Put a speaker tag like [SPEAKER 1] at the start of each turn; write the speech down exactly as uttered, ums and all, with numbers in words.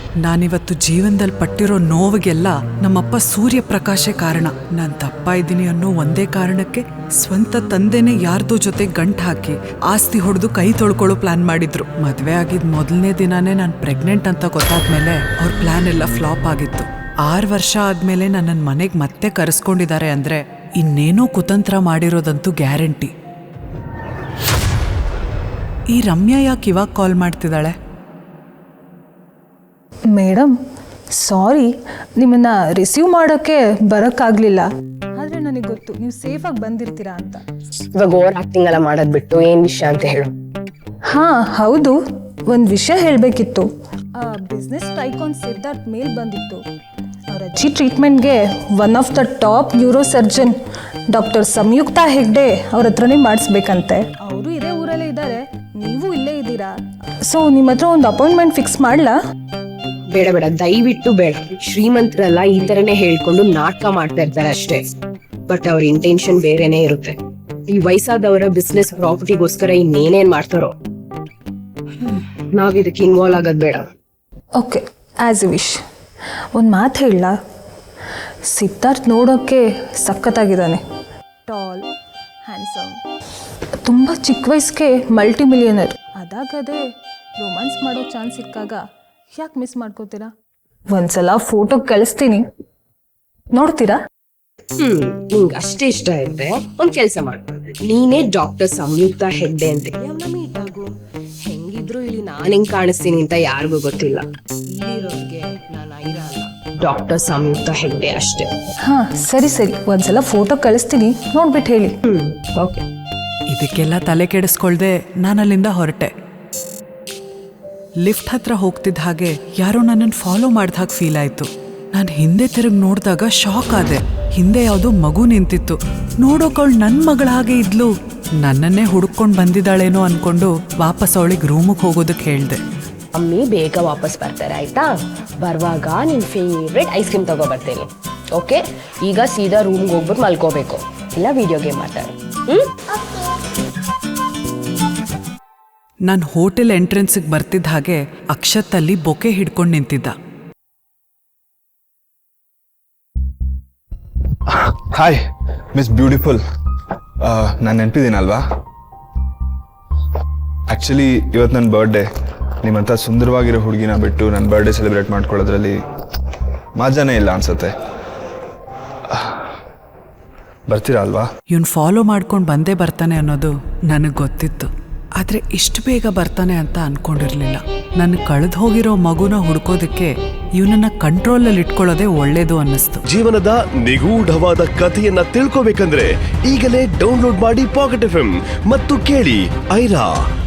[SPEAKER 1] ನಾನಿವತ್ತು ಜೀವನದಲ್ಲಿ ಪಟ್ಟಿರೋ ನೋವಿಗೆಲ್ಲ ನಮ್ಮಪ್ಪ ಸೂರ್ಯಪ್ರಕಾಶೇ ಕಾರಣ. ನಾನು ತಪ್ಪ ಇದ್ದೀನಿ ಅನ್ನೋ ಒಂದೇ ಕಾರಣಕ್ಕೆ ಸ್ವಂತ ತಂದೆನೇ ಯಾರ್ದೋ ಜೊತೆ ಗಂಟು ಹಾಕಿ ಆಸ್ತಿ ಹೊಡೆದು ಕೈ ತೊಳ್ಕೊಳ್ಳೋ ಪ್ಲಾನ್ ಮಾಡಿದ್ರು. ಮದುವೆ ಆಗಿದ್ ಮೊದಲನೇ ದಿನಾನೇ ನಾನು ಪ್ರೆಗ್ನೆಂಟ್ ಅಂತ ಗೊತ್ತಾದ್ಮೇಲೆ ಅವ್ರ ಪ್ಲಾನ್ ಎಲ್ಲ ಫ್ಲಾಪ್ ಆಗಿತ್ತು. ಆರು ವರ್ಷ ಆದ್ಮೇಲೆ ನನ್ನನ್ನು ಮನೆಗೆ ಮತ್ತೆ ಕರೆಸ್ಕೊಂಡಿದ್ದಾರೆ ಅಂದ್ರೆ ಇನ್ನೇನೋ ಕುತಂತ್ರ ಮಾಡಿರೋದಂತೂ ಗ್ಯಾರಂಟಿ. ಈ ರಮ್ಯಾ ಯಾಕೆ ಇವಾಗ ಕಾಲ್ ಮಾಡ್ತಿದ್ದಾಳೆ?
[SPEAKER 2] ಮೇಡಮ್ ಸಾರಿ, ನಿಮ್ಮನ್ನು ರಿಸೀವ್ ಮಾಡೋಕ್ಕೆ ಬರೋಕ್ಕಾಗಲಿಲ್ಲ. ಆದರೆ ನನಗೆ ಗೊತ್ತು ನೀವು ಸೇಫಾಗಿ ಬಂದಿರ್ತೀರಾ ಅಂತ.
[SPEAKER 3] ಇವಾಗ ಓವರ್ ಆಕ್ಟಿಂಗ್ ಎಲ್ಲ ಮಾಡೋದು ಬಿಟ್ಟು ಏನು ವಿಷಯ ಅಂತ ಹೇಳು.
[SPEAKER 2] ಹಾಂ ಹೌದು, ಒಂದು ವಿಷಯ ಹೇಳಬೇಕಿತ್ತು. ಬಿಸ್ನೆಸ್ ಟೈಕಾನ್ ಸಿದ್ಧಾರ್ಥ್ ಮೇಲ್ ಬಂದಿತ್ತು. ಅವ್ರ ಅಜ್ಜಿ ಟ್ರೀಟ್ಮೆಂಟ್ಗೆ one of the top neurosurgeon doctor Samyukta Hegde ಅವ್ರ ಹತ್ರನೇ ಮಾಡಿಸ್ಬೇಕಂತೆ. ಅವರು ಇದೇ ಊರಲ್ಲೇ ಇದ್ದಾರೆ, ನೀವು ಇಲ್ಲೇ ಇದ್ದೀರಾ. ಸೊ ನಿಮ್ಮ ಹತ್ರ ಒಂದು ಅಪಾಯಿಂಟ್ಮೆಂಟ್ ಫಿಕ್ಸ್ ಮಾಡಲಾ?
[SPEAKER 3] ಬೇಡ ಬೇಡ, ದಯವಿಟ್ಟು ಬೇಡ. ಶ್ರೀಮಂತರೆಲ್ಲ ಈ ತರನೇ ಹೇಳ್ಕೊಂಡು ನಾಟಕ ಮಾಡ್ತಾ ಇರ್ತಾರೆ ಅಷ್ಟೇ. ಬಟ್ ಅವ್ರ ಇಂಟೆನ್ಷನ್ ಬೇರೆನೇ ಇರುತ್ತೆ. ಈ ವಯಸ್ಸಾದವರ ಬಿಸ್ನೆಸ್ ಪ್ರಾಪರ್ಟಿಗೋಸ್ಕರ ಇನ್ನೇನೇನ್ ಮಾಡ್ತಾರೋ. ನಾವ್ ಇದಕ್ಕೆ ಇನ್ವಾಲ್ವ್ ಆಗೋದ್ ಬೇಡ.
[SPEAKER 2] Okay, as a wish. ಒಂದು ಮಾತು ಹೇಳಲ್ಲ, ಸಿದ್ಧಾರ್ಥ್ ನೋಡೋಕ್ಕೆ ಸಖತ್ತಾಗಿದ್ದಾನೆ. ಟಾಲ್, ಹ್ಯಾಂಡ್ಸಮ್, ತುಂಬ ಚಿಕ್ಕ ವಯಸ್ಸಿಗೆ ಮಲ್ಟಿ ಮಿಲಿಯನರ್. ಅದಾಗದೇ ರೊಮ್ಯಾನ್ಸ್ ಮಾಡೋ ಚಾನ್ಸ್ ಸಿಕ್ಕಾಗ ಯಾಕೆ ಮಿಸ್ ಮಾಡ್ಕೋತೀರಾ? ಒಂದ್ಸಲ ಫೋಟೋ ಕಳಿಸ್ತೀನಿ, ನೋಡ್ತೀರಾ?
[SPEAKER 3] ಹ್ಮ್ ನಿಂಗೆ ಅಷ್ಟೇ ಇಷ್ಟ ಇರುತ್ತೆ, ಒಂದ್ ಕೆಲ್ಸ ಮಾಡು. ನೀನೇ ಡಾಕ್ಟರ್ ಸಂಯುಕ್ತ ಹೆಗ್ಡೆ ಅಂತ ಮೀಟ್ ಆಗು. ಹೆಂಗಿದ್ರು ಇಲ್ಲಿ ನಾನ್ ಹೆಂಗ್ ಕಾಣಿಸ್ತೀನಿ ಅಂತ ಯಾರಿಗೂ ಗೊತ್ತಿಲ್ಲ. ಇಲ್ಲಿರೋರ್ಗೆ ನಾನು ಐರಾ ಅಲ್ಲ, ಡಾಕ್ಟರ್ ಸಂಯುಕ್ತ ಹೆಗ್ಡೆ ಅಷ್ಟೇ.
[SPEAKER 2] ಹಾ ಸರಿ ಸರಿ, ಒಂದ್ಸಲ ಫೋಟೋ ಕಳಿಸ್ತೀನಿ, ನೋಡ್ಬಿಟ್ಟು ಹೇಳಿ.
[SPEAKER 3] Hmm okay.
[SPEAKER 1] ಇದಕ್ಕೆಲ್ಲ ತಲೆ ಕೆಡಿಸ್ಕೊಳ್ದೆ ನಾನಲ್ಲಿಂದ ಹೊರಟೆ. ಲಿಫ್ಟ್ ಹತ್ರ ಹೋಗ್ತಿದ್ದ ಹಾಗೆ ಯಾರೋ ನನ್ನನ್ನು ಫಾಲೋ ಮಾಡಿದ ಹಾಗೆ ಫೀಲ್ ಆಯಿತು. ನಾನು ಹಿಂದೆ ತಿರುಗಿ ನೋಡಿದಾಗ ಶಾಕ್ ಆದೆ. ಹಿಂದೆ ಯಾವುದೋ ಮಗು ನಿಂತಿತ್ತು. ನೋಡೋಕವಳು ನನ್ನ ಮಗಳ ಹಾಗೆ ಇದ್ಲು. ನನ್ನನ್ನೇ ಹುಡುಕೊಂಡು ಬಂದಿದ್ದಾಳೇನೋ ಅನ್ಕೊಂಡು ವಾಪಸ್ ಅವಳಿಗೆ ರೂಮಿಗೆ ಹೋಗೋದಕ್ಕೆ ಹೇಳಿದೆ.
[SPEAKER 3] ಅಮ್ಮಿ ಬೇಗ ವಾಪಸ್ ಬರ್ತಾರೆ ಆಯ್ತಾ? ಬರುವಾಗ ನಿನ್ ಫೇವ್ರೆಟ್ ಐಸ್ ಕ್ರೀಮ್ ತಗೋ ಬರ್ತೇನೆ. ಓಕೆ, ಈಗ ಸೀದಾ ರೂಮ್ಗೆ ಹೋಗ್ಬಿಟ್ಟು ಮಲ್ಕೋಬೇಕು, ಇಲ್ಲ ವಿಡಿಯೋ ಗೇಮ್ ಮಾಡ್ತಾರೆ. ಹ್ಮ್
[SPEAKER 1] ನಾನು ಹೋಟೆಲ್ ಎಂಟ್ರೆನ್ಸಿಗೆ ಬರ್ತಿದ್ದ ಹಾಗೆ ಅಕ್ಷತಲ್ಲಿ ಬೊಕೆ ಹಿಡ್ಕೊಂಡು ನಿಂತಿದ್ದ.
[SPEAKER 4] ಹಾಯ್ ಮಿಸ್ ಬ್ಯೂಟಿಫುಲ್, ನಾನು ನೆನಪಿದ್ದೀನಲ್ವಾ? ಆ್ಯಕ್ಚುಲಿ ಇವತ್ತು ನನ್ನ ಬರ್ಡೇ. ನಿಮ್ಮಂಥ ಸುಂದರವಾಗಿರೋ ಹುಡುಗಿನ ಬಿಟ್ಟು ನನ್ನ ಬರ್ಡೇ ಸೆಲೆಬ್ರೇಟ್ ಮಾಡ್ಕೊಳ್ಳೋದ್ರಲ್ಲಿ ಮಜಾನೇ ಇಲ್ಲ ಅನ್ಸುತ್ತೆ. ಬರ್ತೀರಾ ಅಲ್ವಾ?
[SPEAKER 1] ಇವನು ಫಾಲೋ ಮಾಡ್ಕೊಂಡು ಬಂದೇ ಬರ್ತಾನೆ ಅನ್ನೋದು ನನಗೆ ಗೊತ್ತಿತ್ತು. ಆದರೆ ಇಷ್ಟು ಬೇಗ ಬರ್ತಾನೆ ಅಂತ ಅನ್ಕೊಂಡಿರ್ಲಿಲ್ಲ. ನನ್ನ ಕಳೆದು ಹೋಗಿರೋ ಮಗುನ ಹುಡ್ಕೋದಕ್ಕೆ ಇವನನ್ನ ಕಂಟ್ರೋಲಲ್ಲಿ ಇಟ್ಕೊಳ್ಳೋದೇ ಒಳ್ಳೇದು ಅನ್ನಿಸ್ತು.
[SPEAKER 5] ಜೀವನದ ನಿಗೂಢವಾದ ಕಥೆಯನ್ನ ತಿಳ್ಕೋಬೇಕಂದ್ರೆ ಈಗಲೇ ಡೌನ್ಲೋಡ್ ಮಾಡಿ ಪಾಕೆಟ್ ಎಫ್ ಎಂ ಮತ್ತು ಕೇಳಿ ಐರಾ.